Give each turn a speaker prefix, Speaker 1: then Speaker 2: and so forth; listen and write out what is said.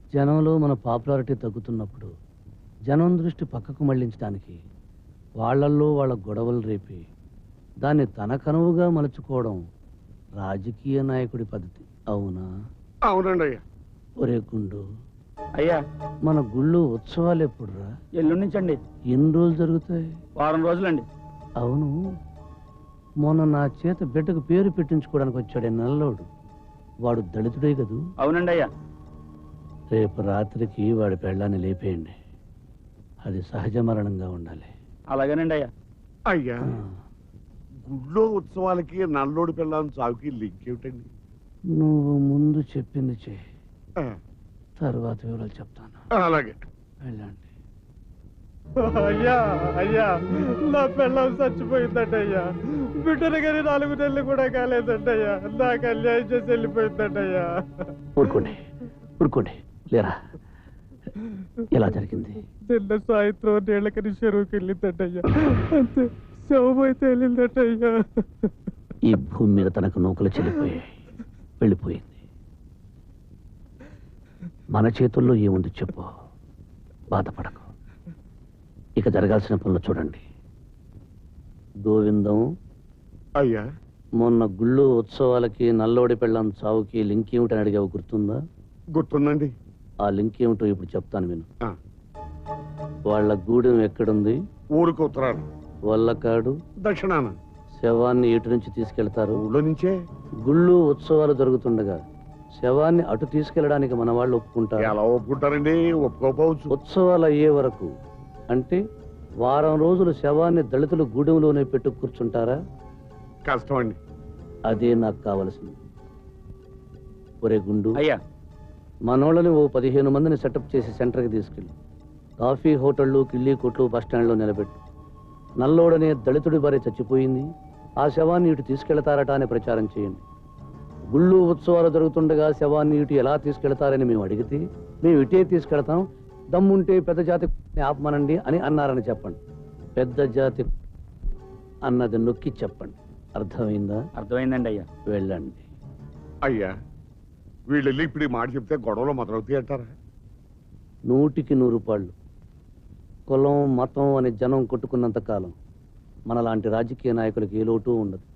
Speaker 1: జనంలో మన పాపులారిటీ తగ్గుతున్నప్పుడు జనం దృష్టి పక్కకు మళ్లించడానికి వాళ్ళల్లో వాళ్ళ గొడవలు రేపి దాన్ని తన కనువుగా మలుచుకోవడం రాజకీయ నాయకుడి పద్ధతి. అవునా?
Speaker 2: అవునండి అయ్యా.
Speaker 1: ఒరే గుండు,
Speaker 3: అయ్యా
Speaker 1: మన గుళ్ళో ఉత్సవాలు ఎప్పుడురా?
Speaker 3: ఎల్లుండి నుంచండి.
Speaker 1: ఎన్ని రోజులు జరుగుతాయి?
Speaker 3: వారం రోజులండి.
Speaker 1: అవును, మొన్న నా చేత బిడ్డకు పేరు పెట్టించుకోవడానికి వచ్చాడే నల్లోడు, వాడు దళితుడే కదూ?
Speaker 3: అవునండి అయ్యా.
Speaker 1: రేపు రాత్రికి వాడి పెళ్ళాన్ని లేపేయండి. అది సహజ మరణంగా ఉండాలి.
Speaker 3: అలాగేనండి అయ్యా.
Speaker 2: అయ్యా, గుళ్ళో ఉత్సవాలకి నల్లోడి పిల్లని చావుకి లింక్ ఏమిటండి?
Speaker 1: నువ్వు ముందు చెప్పింది చేయి, తర్వాత వివరాలు చెప్తాను.
Speaker 2: అలాగే.
Speaker 1: వెళ్ళండి.
Speaker 4: అయ్యా అయ్యా, నా పిల్లం చచ్చిపోయిందంట అయ్యా. బిడ్డను కానీ 4 నెలలు కూడా కాలేదంట అయ్యా. నాకు అన్యాయం చేసి వెళ్ళిపోయిందంట అయ్యా.
Speaker 1: ఊరుకోండి ఊరుకోండి, లేరా ఎలా జరిగింది?
Speaker 4: నిన్న సాయంత్రం నీళ్ళకని చెరువుకి వెళ్ళిందంట అయ్యా. అంతే, శవమైతే వెళ్ళిందంట అయ్యా.
Speaker 1: ఈ భూమి మీద తనకు నూకలు చెల్లిపోయాయి, వెళ్ళిపోయింది. మన చేతుల్లో ఏముంది చెప్పు, బాధపడకు. ఇక జరగాల్సిన పనులు చూడండి. గోవిందం
Speaker 2: అయ్యా,
Speaker 1: మొన్న గుళ్ళు ఉత్సవాలకి నల్లోడి పెళ్ళం చావుకి లింక్ ఏమిటని అడిగావు, గుర్తుందా?
Speaker 2: గుర్తుందండి.
Speaker 1: ఆ లింక్ ఏమిటో ఇప్పుడు చెప్తాను విను. వాళ్ళ గూడెం ఎక్కడుంది?
Speaker 2: ఊరికి ఉత్తరాలు,
Speaker 1: వల్లకాడు
Speaker 2: దక్షిణాన.
Speaker 1: శవాన్ని ఇటు నుంచి తీసుకెళ్తారు.
Speaker 2: ఊళ్ళో నుంచే.
Speaker 1: గుళ్ళు ఉత్సవాలు జరుగుతుండగా శవాన్ని అటు తీసుకెళ్ళడానికి మన వాళ్ళు ఒప్పుకుంటారు?
Speaker 2: ఎలా ఒప్పుకుంటారండి? ఒప్పుకోపోవచ్చు.
Speaker 1: ఉత్సవాలు అయ్యే వరకు, అంటే వారం రోజులు శవాన్ని దళితులు గూడెంలోనే పెట్టు కూర్చుంటారా?
Speaker 2: కష్టం అండి.
Speaker 1: అదే నాకు కావలసింది. ఒరే గుండు,
Speaker 3: అయ్యా
Speaker 1: మనోళ్ళని ఓ 15 మందిని సెటప్ చేసి సెంటర్కి తీసుకెళ్ళి కాఫీ హోటళ్ళు, కిళ్ళీ కొట్లు, బస్టాండ్లో నిలబెట్టు. నల్లోడనే దళితుడి భార్య చచ్చిపోయింది, ఆ శవాన్ని ఇటు తీసుకెళ్తారట అని ప్రచారం చేయండి. గుళ్ళు ఉత్సవాలు జరుగుతుండగా శవాన్ని ఇటు ఎలా తీసుకెళ్తారని మేము అడిగితే, మేము ఇటే తీసుకెళ్తాం, దమ్ముంటే పెద్ద జాతి ఆపమనండి అని అన్నారని చెప్పండి. పెద్ద జాతి అన్నది నొక్కి చెప్పండి. అర్థమైందా?
Speaker 3: అర్థమైందండి అయ్యా.
Speaker 1: వెళ్ళండి.
Speaker 2: అయ్యా, వీళ్ళు వెళ్ళి ఇప్పుడు ఈ మాట చెప్తే గొడవలు మొదలవుతాయి అంటారా?
Speaker 1: 100కి 100 రూపాయలు. కులం మతం అని జనం కొట్టుకున్నంత కాలం మనలాంటి రాజకీయ నాయకులకి ఏ లోటు ఉండదు.